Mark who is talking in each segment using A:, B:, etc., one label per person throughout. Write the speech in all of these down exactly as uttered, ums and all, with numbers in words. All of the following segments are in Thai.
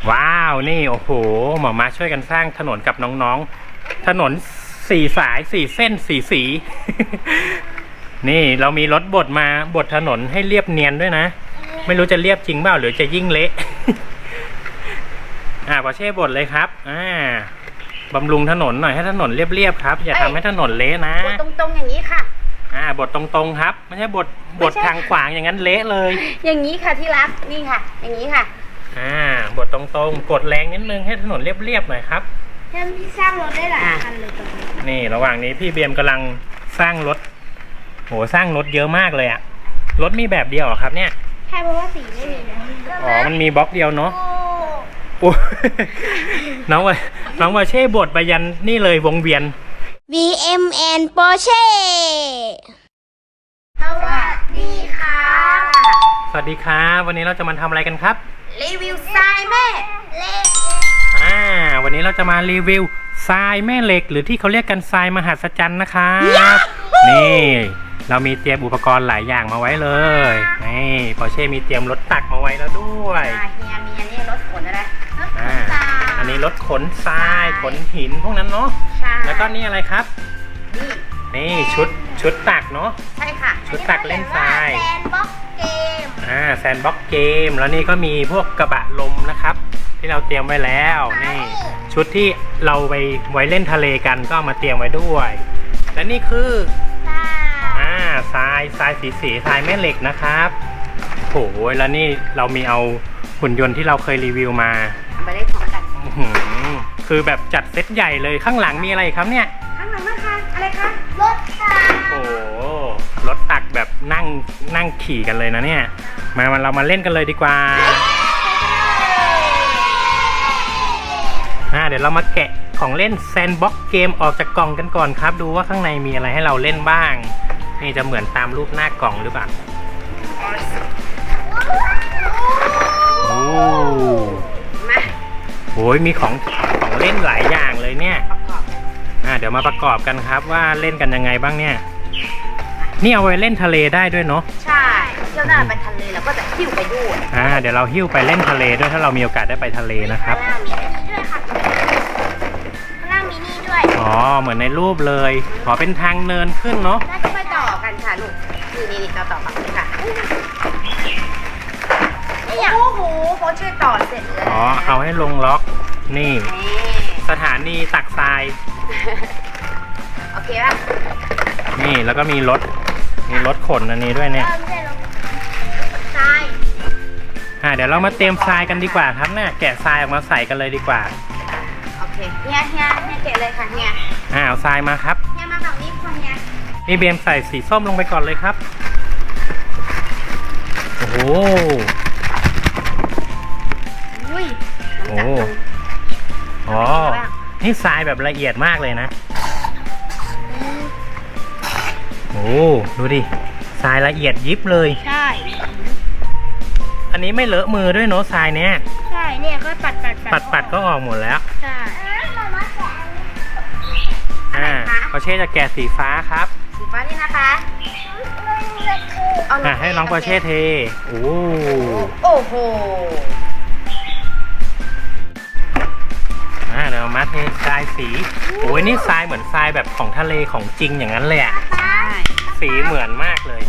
A: ว้าวนี่โอ้โหหมอมาช่วยกันสร้างถนนกับน้องๆถนนสี่สายสี่เส้นสี่สี นี่เรามีรถบดมาบดถนนให้เรียบเนียนด้วยนะไม่รู้จะเรียบจริงเปล่าหรือจะยิ่งเละ อ่าปอเช่บดเลยครับอ่าบำรุงถนนหน่อยให้ถนนเรียบๆครับอย่าทำให้ถนนเละนะ
B: บดตรงๆอย่างนี้ค่ะ
A: อ่าบดตรงๆครับไม่ใช่บดบดทางขวางอย่างนั้นเละเลย
B: อย่างนี้ค่ะที่รักนี่ค่ะอย่างนี้ค่ะ
A: อ่าบดตรงๆกดแรงนิดนึงให้ถนนเรียบๆหน่อยครับ
B: ท่านที่สร้างรถได้หลายคันเลยตรงนี้
A: นี่ระหว่างนี้พี่เบียมกำลังสร้างรถโหสร้างรถเยอะมากเลยอะรถมีแบบเดียวเหรอครับเนี่ย
B: ใช่เพราะว่าสีไม่มีนะ
A: อ๋อมันมีบล็อกเดียวเนาะโอ้น้องว่าน้องว่าเช่บดไปยันนี่เลยวงเวียน
C: วี เอ็ม แอนด์ Porsche
B: สวัสดีค่ะ
A: สวัสดีครับวันนี้เราจะมาทำอะไรกันครับ
B: รีวิวทรายแม่เหล็ก
A: อ่าวันนี้เราจะมารีวิวทรายแม่เหล็กหรือที่เขาเรียกกันทรายมหัศจรรย์นะครับนี่เรามีเตรียมอุปกรณ์หลายอย่างมาไว้เลยนี่ปอเช่มีเตรียมรถตักมาไว้แล้วด้วย
B: เฮียมีอันนี้รถขนอะไรรถขนทราย
A: อันนี้รถขนทรายขนหินพวกนั้นเนาะแล้วก็นี่อะไรครับนี่นี่ชุดชุดตักเนาะ
B: ใช่ค่ะ
A: ชุดตักเล่นทราย
B: แซนบ็อกเกม
A: อ่าแซนบ็อกเกมแล้วนี่ก็มีพวกกระบะลมนะครับที่เราเตรียมไว้แล้วนี่ชุดที่เราไปไว้เล่นทะเลกันก็มาเตรียมไว้ด้วยและนี่คืออ่าทรายทรายสีสีทรายแม่เหล็กนะครับโหแล้วนี่เรามีเอาหุ่นยนต์ที่เราเคยรีวิวมา
B: ไปเล่นพร้อมกัน
A: คือแบบจัดเซตใหญ่เลยข้างหลังมีอะไรครับเนี่ย
B: ข้างหลังนะคะอะไรคะรถตัก
A: โอ้รถตักแบบนั่งนั่งขี่กันเลยนะเนี่ยมาเรามาเล่นกันเลยดีกว่าอ่าเดี๋ยวเรามาแกะของเล่นแซนบ็อกเกมออกจากกล่องกันก่อนครับดูว่าข้างในมีอะไรให้เราเล่นบ้างนี่จะเหมือนตามรูปหน้ากล่องหรือเปล่าโอ้
B: มา
A: โอ้ยมีของของเล่นหลายอย่างเลยเนี่ยอ่าเดี๋ยวมาประกอบกันครับว่าเล่นกันยังไงบ้างเนี่ยนี่เอาไว้เล่นทะเลได้ด้วยเนาะ
B: ใช่เที่ยวหน้าไปทะเลแล้วก็จะหิ้วไปด้วย
A: อ่าเดี๋ยวเราหิ้วไปเล่นทะเลด้วยถ้าเรามีโอกาสได้ไปทะเลนะครับ
B: ข้างล่างมีนี่ด้วยค่ะข้างล่างมีนี่ด้วย
A: อ๋อเหมือนในรูปเลยขอเป็นทางเนินขึ้นเนาะ
B: น่าจะไปต่อกันค่ะลูกนี่นี่ต่อต่อกันค่ะนี่โอ้โหเขาช่วยต่อเสร็จแล้ว
A: อ๋อเอาให้ลงล็อกนี่สถานีตักทราย
B: โอเคป่ะ
A: นี่แล้วก็มีรถมีรถขนอันนี้ด้วยเนี่ย
B: ทราย
A: อ่าเดี๋ยวเรามาเตรียมทรายกันดีกว่าครับเนี่ยแกะทรายออกมาใส่กันเลยดีกว่า
B: โอเคเฮียเฮียเฮียแกะเลยค่ะเฮีย
A: อ่าเอาทรายมาครับ
B: เฮียมาแบบนี้ค่ะเฮีย
A: นี่เบมใส่สีส้มลงไปก่อนเลยครับโอ้โห
B: อุ้ย
A: โอ้อ๋อนี่ทรายแบบละเอียดมากเลยนะโอ้ดูดิทรายละเอียดยิบเลย
B: ใช่
A: อันนี้ไม่เลอะมือด้วยเนาะทรายเนี้ย
B: ใช่เนี่ยก็ปัดปัด
A: ปัดปัดก็ออกหมดแล้ว
B: ใช่
A: อ่าปอเช่จะแกะสีฟ้าครับ
B: สีฟ้านี่นะคะ
A: อ่าให้น้องปอเช่เทโอ้
B: โอ้โห
A: อ่าเดี๋ยวมาเททรายสีโอ้ยนี่ทรายเหมือนทรายแบบของทะเลของจริงอย่างนั้นเลยอ่ะสีเหมือนมากเลย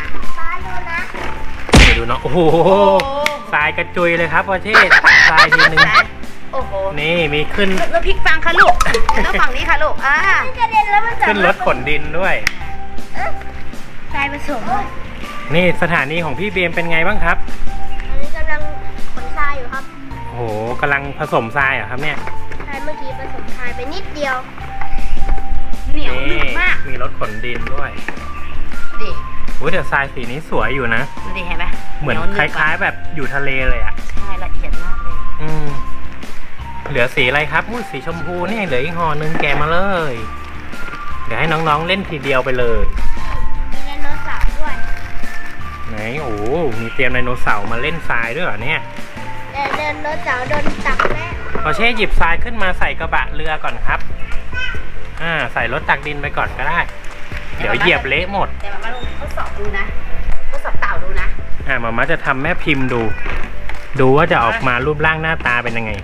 A: เดี๋ยวดูเนาะโอ้โหทรายกระจุยเลยครับปอเช่ทรายทีนึง
B: โอ้โห
A: นี่มีขึ้น
B: แล้วพลิกฟังค่ะลูกแล้วฝั่งนี้ค่ะลูกอ่า
A: ขึ้นรถขนดินด้วย
B: ทรายผสม
A: นี่สถานีของพี่เบมเป็นไงบ้างครับ
B: อันนี้กำลังขนทรายอยู่ครับ
A: โอ้โหกำลังผสมทรายเหรอครับเนี่ย
B: ใช่เมื่อกี้ผสมทรายไปนิดเดียวเหนียวหนึบมาก
A: มีรถขนดินด้วย
B: ดิ
A: โอ้ยแต่ทรายสีนี้สวยอยู่นะ
B: ดูดิเห็นไหม
A: เหมือนคล้ายๆแบบอยู่ทะเลเลยอ่ะ
B: ใช่ละเอียดมากเลย
A: อืมเหลือสีอะไรครับอุ้ยสีชมพูนี่เหลืออีกห่อนึงแกะมาเลยเดี๋ยวให้น้องๆเล่นทีเดียวไปเลย
B: มีไดโนเสาร์ด้วย
A: ไหนโอ้มีเตรียมไดโนเสาร์มาเล่นทรายด้วยเหรอเนี่ย
B: ไดโนเสาร์โดนตักแม่
A: พอเช่หยิบทรายขึ้นมาใส่กระบะเรือก่อนครับอ่าใส่รถตักดินไปก่อนก็ได้เดี๋ยวเหยียบเละหมด
B: แต่มาลองทดสอบดูนะทดสอบเต่าดูนะ
A: อ่ามาม่าจะทำแม่พิมพ์ดูดูว่าจะออกมารูปร่างหน้าตาเป็นยังไง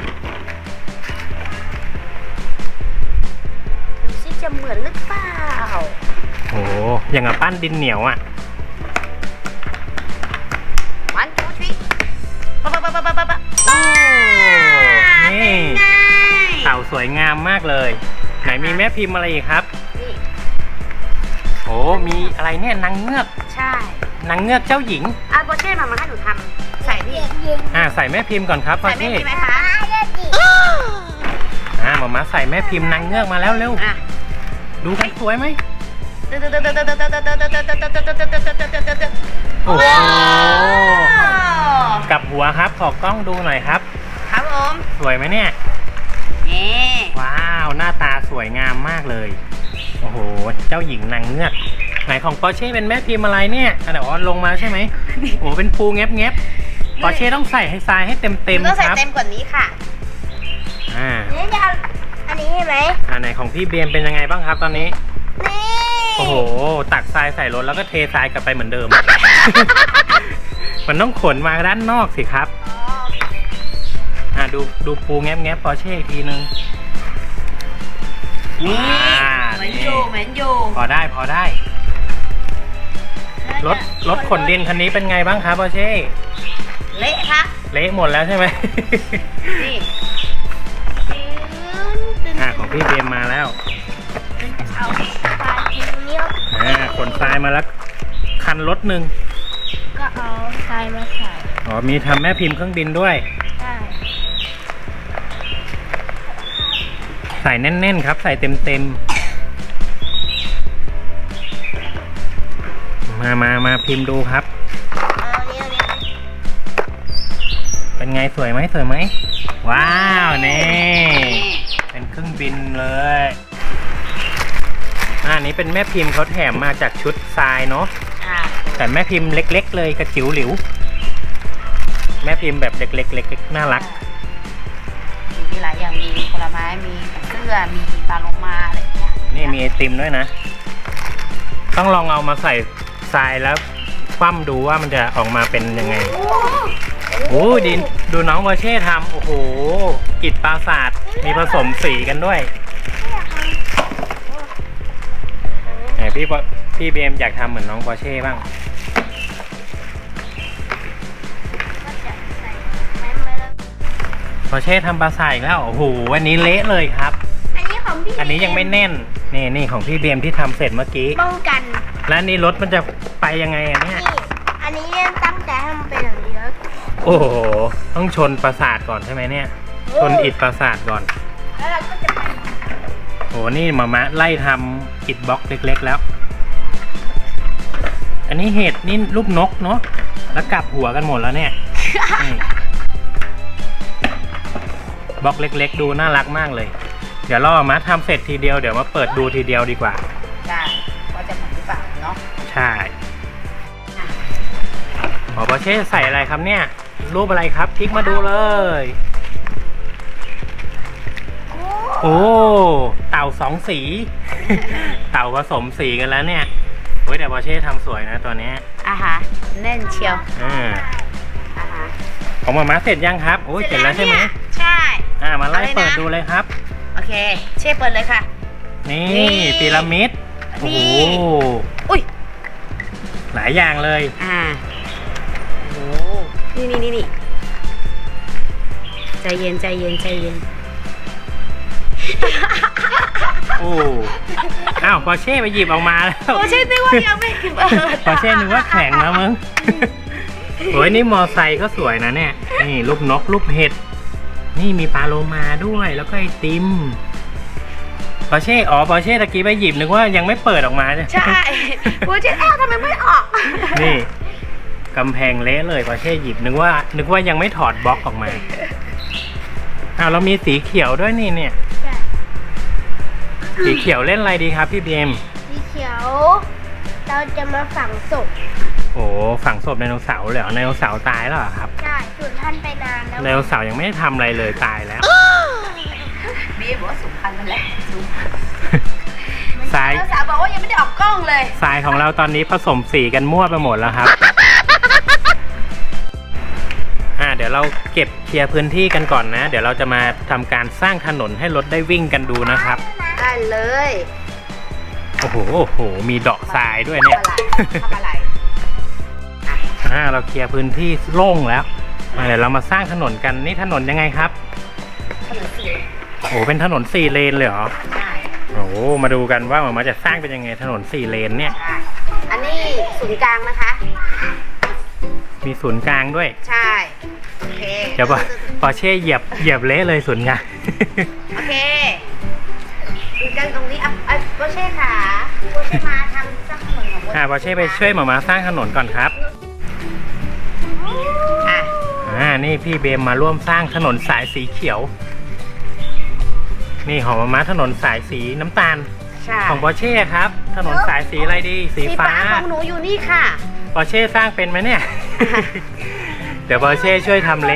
B: ดูสิจะเหมือนหรือเปล่า
A: โอ้อย่างกับปั้นดินเหนียวอ่ะ
B: วันทูทรีปะปะปะปะปะปะปะ
A: โอ้นี่
B: เป็นไง
A: เต่าสวยงามมากเลย ไหนมีแม่พิมพ์อะไรอีกครับ
B: นี่
A: โอ้มีอะไรเนี่ยนางเงือก
B: ใช่
A: นางเงือกเจ้าหญิง
B: อาโบเช่มามาให้หนูทำใส่นี่
A: อ่าใส่แม่พิมพ์ก่อนครับ
B: ใส่ไม่
A: พี่
B: มีไหมคะ
A: อ่าหมอมาใส่แม่พิมพ์นางเงือกมาแล้วเร็ว
B: อ่ะ
A: ดูกันสวยไหม โอ้โหกลับหัวครับขอกล้องดูหน่อยครับ
B: ครับผม
A: สวยไหมเนี่ย
B: นี่
A: ว้าวหน้าตาสวยงามมากเลยโอ้โหเจ้าหญิงนางเงือกไหนของปอร์เช่เป็นแม่พิมพ์อะไรเนี่ยอ่ะเดี๋ยวอ๋อลงมาใช่ไหมโอ้เป็นปูแงบแงบปอร์เช่ต้องใส่ให้ทรายให้เต็มเต็ม
B: ต้อง
A: ค
B: ใส่
A: รับ
B: เต็มกว่านี้ค่ะ
A: อ่า
B: นี่จะเอาอันนี้ใช่ไหม
A: อ่าไหนของพี่เบียมเป็นยังไงบ้างครับตอนนี้
B: นี่
A: โอ้โหตักทรายใส่รถแล้วก็เททรายกลับไปเหมือนเดิม มันต้องขนมาด้านนอกสิครับ
B: อ๋อ
A: อ่าดูดูปูแงบแงบปอร์เช่อีกทีนึง
B: นี่
A: อ่า
B: เหมือนอยู่เหมือนอยู่
A: พอได้พอได้ รถรถขนดินคันนี้เป็นไงบ้างครับปอร์เช่
B: เละครับ
A: เละหมดแล้วใช่ไหม
B: นี่
A: อ่าของพี่เบมมาแล้ว
B: เอาปลาทิ้งนี้
A: อ่าขนทรายมาแล้วคันรถหนึ่ง
B: ก็เอาทรายมาใส่
A: อ๋อมีทำแม่พิมพ์เครื่องบินด้วย
B: ได้
A: ใส่แน่นๆครับ ใส่เต็มๆมามามาพิมพ์ดูครับ
B: เอาเนี้ยเนี้ย
A: เป็นไงสวยไหมสวยไหมว้าวนี่เป็นเครื่องบินเลยอะอันนี้เป็นแม่พิมพ์เขาแถมมาจากชุดทรายเนาะ
B: อ่า
A: แต่แม่พิมพ์เล็กๆเลยกระจิ๋วหลิว แม่พิมพ์แบบเล็กๆเล็กๆน่ารัก
B: มีหลายอย่างมีผลไม้มีเสื้อมีปลาโลมาอะไรอย่างเงี้ย
A: นี่มีไอติมด้วยนะ ต้องลองเอามาใส่ทรายแล้วคว่ำดูว่ามันจะออกมาเป็นยังไง โอ้ดินดูน้องวอเช่ทำโอ้โหอิฐปราสาทมีผสมสีกันด้วยไหนพี่ปอพี่เบมอยากทำเหมือนน้องวอเช่บ้าง
B: ก็จะใส่ไม้มาแล้ว
A: วอเช่ทำปราสาทอีกแล้วโอ้โหวันนี้เละเลยครับ
B: อันนี้ของพี่
A: อันนี้ยังไม่แน่นนี่นี่ของพี่เบมที่ทำเสร็จเมื่อกี้
B: ป้องกัน
A: แล้วนี่รถมันจะไปยังไงอันเนี้ย
B: นี่อันนี้ตั้งใจให้มันเป็นอย่างนี้แล้ว
A: โอ้โหต้องชนปราสาทก่อนใช่ไหมเนี่ย ชนอิฐปราสาทก่อน
B: แล้วเราก็จะไป
A: โอ้นี่มามะไล่ทำอิฐบล็อกเล็กๆแล้ว อันนี้เห็ดนี่รูปนกเนาะแล้วกลับหัวกันหมดแล้วเนี่ยนี่บล็อกเล็กๆ ดูน่ารักมากเลย เดี๋ยวรอมาทำเสร็จทีเดียวเดี๋ยวมาเปิดดูทีเดียวดีกว่า
B: ได้ว่าจะเหมือนหรือเปล่าเนาะ
A: ใช่หมอปอเช่ใส่อะไรครับเนี่ย รูปอะไรครับพลิกมาดูเลย โอ้เต่าสองสี เต่าผสมสีกันแล้วเนี่ยเฮ้ยแต่ปอเช่ทำสวยนะตัวเนี้ย
B: อ่ะฮะแน่นเชียว
A: อ่า
B: อ่ะฮะ
A: ของหมาม้าเสร็จยังครับโอ้ยเสร็จแล้วใช่ไหม
B: ใช่
A: อ่ามาไล่
B: เอาเลยนะ
A: เปิดดูเลยครับ
B: โอเคเช่เปิดเลยค่ะ
A: นี่
B: นี่
A: พีระมิดโอ้
B: นี่
A: โห
B: อุ้ย
A: หลายอย่างเลย
B: อ่าโอ้นี่นี่นี่นี่ใจเย็นใจเย็นใจเย็น
A: โอ้อ้าวปอเช่ไปหยิบออกมาแล้ว
B: โอ้ใช่นึกว่ายังไม่เปิด
A: ปอเช่นึกว่าแข็งแล้วมึงโอ้ยนี่มอไซค์ก็สวยนะเนี่ยนี่รูปนกรูปเห็ดนี่มีปลาโลมาด้วยแล้วก็ไอติมปอเช่อ๋อปอเช่ตะกี้ไปหยิบนึกว่ายังไม่เปิดออกมา
B: ใช่โอ้ใช่เอ้าทำไมไม่ออก
A: นี่กำแพงเละเลยปอเช่หยิบนึกว่า นึกว่ายังไม่ถอดบล็อกออกมาอ้าวเรามีสีเขียวด้วยนี่เนี่ยสีเขียวเล่นอะไรดีครับพี่บีม
B: สีเขียว เราจะมาฝังศพ
A: โอ้ฝังศพไดโนเสาร์เลยเหรอไดโนเสาร์ตายแล้วเหรอครับ
B: ใช่สูญพันธุ์ไปนานแล้ว
A: ไดโนเสาร์ยังไม่ได้ทำอะไรเลยตายแล้ว
B: บีบอกว่าสูญพันธุ์ไปแล้ว
A: ทราย
B: สาวบอกว่ายังไม่ได้ออกกล้องเลย
A: ทรายของเราตอนนี้ผสมสีกันมั่วไปหมดแล้วครับ อ่ายวเราเก็บเคลียร์พื้นที่กันก่อนนะ เดี๋ยวเราจะมาทำการสร้างถนนให้รถได้วิ่งกันดูนะครับ
B: ได้เลย
A: โอ้โหโอ้โหมีเดาะทรายด้วยเนี่ย
B: ทำอะไร
A: อ่าเราเคลียร์พื้นที่โล่งแล้วอ่าเดี๋ยวเรามาสร้างถนนกันนี่ถนนยังไงครับ
B: ถนนสี่
A: โอ้โหเป็นถนนสี่เลนเลยเหรอ
B: ใช่
A: โอ้โหมาดูกันว่าหมาจะสร้างเป็นยังไงถนนสี่เลนเนี่ย
B: ใช่อันนี้ศูนย์กลางนะคะ
A: มีศูนย์กลางด้วย
B: ใช่โอเค
A: เดี๋ยวปอร์เช่เหยียบเหยียบเละเลยศูนย์กลาง
B: โอเคศูนย์กลางตรงนี้อ่ะอ่ะโบเช่ค่ะโบเช่มาทำสร้างถนนของโบ
A: อ่าปอร์เช่ไปช่วยหมามาสร้างถนนก่อนครับ
B: อ่ะ
A: อ่านี่พี่เบมมาร่วมสร้างถนนสายสีเขียว นี่ของหมามาถนนสายสีน้ำตาล
B: ใช่
A: ของปอร์เช่ครับ ถนนสายสีอะไรดีสี
B: สี
A: ฟ้า
B: ฟ้าของหนูอยู่นี่ค่ะ
A: ปอร์เช่สร้างเป็นไหมเนี่ย เดี๋ยวปอร์เช่ช่วยทำเละ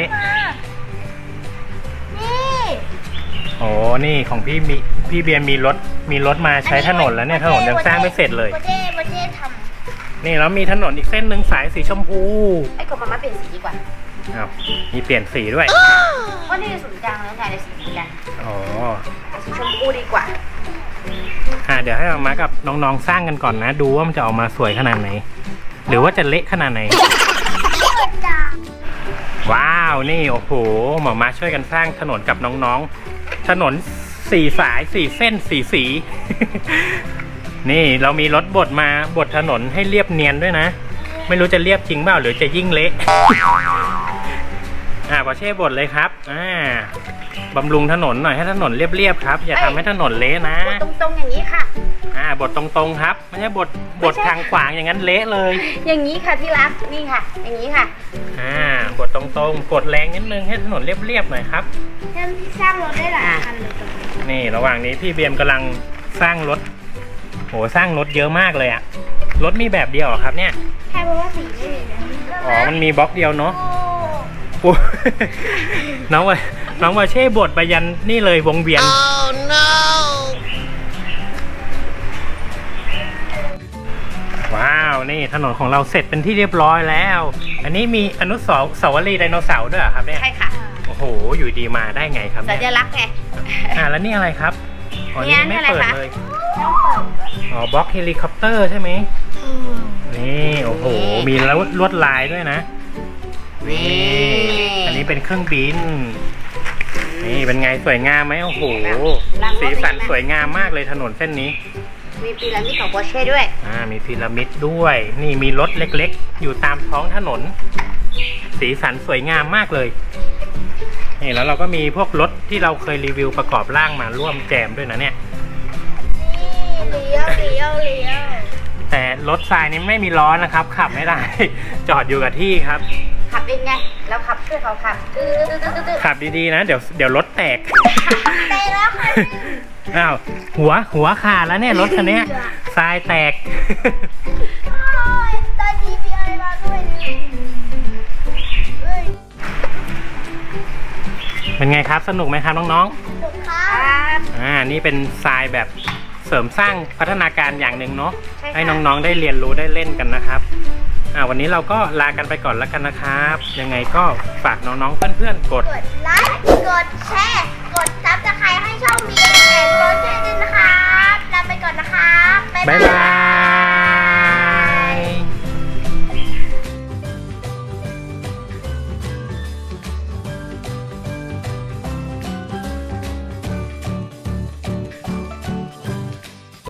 C: นี่
A: โอ้นี่ของพี่มีพี่เบียร์มีรถมีรถมาใช้ถนนแล้วเนี่ยถนนยังสร้างไม่เสร็จเลย
C: โบเช่โบเช่ท
A: นี่แล้วมีถนนอีกเส้นหนึ่งสายสีชมพู
B: ไอ้กบมามาเปลี่ยนสีดีกว่า
A: อ้าวมีเปลี่ยนสีด้วย
B: เพราะนี่ศูนย์กลางแล้วไงในสีเหมือนกัน
A: อ๋อ
B: สีชมพูดีกว่า
A: อ่าเดี๋ยวให้มามากับน้องๆสร้างกันก่อนนะ ดูว่ามันจะออกมาสวยขนาดไหน หรือว่าจะเละขนาดไหน ว้าวนี่โอ้โหหมอมาช่วยกันสร้างถนนกับน้องๆ ถนนสี่สายสี่เส้นสี่สี นี่เรามีรถบดมาบดถนนให้เรียบเนียนด้วยนะ ไม่รู้จะเรียบจริงเปล่าหรือจะยิ่งเละ อ่าปอเช่บดเลยครับอ่าบำรุงถนนหน่อยให้ถนนเรียบๆครับ อย่าทำให้ถนนเละนะ
B: ตรงๆอย่างนี้ค่ะ
A: อ่าบดตรงๆครับไม่ใช่บดบดทางขวางอย่างนั้นเละเลย
B: อย่างนี้ค่ะที่รักนี่ค่ะ อย่างนี้ค่ะ
A: อ่าบดตรงๆกดแรงนิดนึงให้ถนนเรียบๆหน่อยครับ
C: ำยังที่สร้างรถได้หลายคันเลยตรงนี้
A: นี่ระหว่างนี้พี่เบียมกำลังสร้างรถโหสร้างรถเยอะมากเลยอะรถมีแบบเดียวเหรอครับเนี่ย
C: แค่เพราะว่าสีไม่มีนะ
A: อ๋อมันมีบล็อกเดียวเนาะ
C: โอ้
A: โอ้ น้องว่าน้องว่าเช่บดไปยันนี่เลยวงเวียน ว้าวนี่ถนนของเราเสร็จเป็นที่เรียบร้อยแล้ว อันนี้มีอนุสาวรีย์ไดโนเสาร์ด้วยเหรอครับเนี่ย
B: ใช่ค่ะ
A: โอ้โหอยู่ดีมาได้ไงครับ
B: สั
A: เนี่ย
B: ญลักษณ์ไง
A: อ่าแล้วนี่อะไรครับอ๋อ
B: เนี่
A: นี่
B: ย
A: ไม่
B: นี่อะไร
A: เปิด
B: คะ
A: เลย
C: ต้องเปิด
A: อ๋อบล็อกเฮลิคอปเตอร์ใช่ไหมนี่โอ้โหมีแล้วลวดลายด้วยนะ
B: นี่
A: อันนี้เป็นเครื่องบิน นี่เป็นไงสวยงามไหมโอ้โห
B: รางรถ
A: สีสันสวยงามมากเลยถนนเส้นนี้
B: มีพีระมิดของโบเช่ด้วย
A: อ่ามีพีระมิดด้วย นี่มีรถเล็กๆ อยู่ตามท้องถนน สีสันสวยงามมากเลย นี่แล้วเราก็มีพวกรถที่เราเคยรีวิวประกอบร่างมาร่วมแจมด้วยนะเนี่ย
C: นี่เลี้ยวเลี้ยวเลี้ยว
A: แต่รถทรายนี้ไม่มีล้อนะครับ ขับไม่ได้ จอดอยู่กับที่ครับ
B: ขับเองไงแล้วขับช่วยเขาขับตื้อตื้อตื้อตื้อ
A: ขับดีๆนะ เดี๋ยวเดี๋ยวรถแตก
C: ไปแล้วค่ะ
A: อ้าวหัวหัวขาดแล้วเนี่ยรถคันเนี้ยทรายแตก
C: ตอนนี้มีอะไรมาด้วยเนี่ยเฮ้ย
A: เป็นไงครับสนุกไหมครับน้อง
C: สุดท้า
B: ค
C: ย
B: รับ
A: ๆอ่านี่เป็นทรายแบบเสริมสร้างพัฒนาการอย่างหนึ่งเนาะ
B: ใช่ค่ะ
A: ให้น้องๆได้เรียนรู้ได้เล่นกันนะครับอ่าวันนี้เราก็ลากันไปก่อนแล้วกันนะครับ ยังไงก็ฝากน้องๆเพื่อนๆกด
C: กดไลค์กดแชร์กดซับสไครต์ให้ช่อง บี เอ็ม แอน โปรเจกต์ด้วยนะครับลาไปก่อนนะครับ
A: บ๊ายบา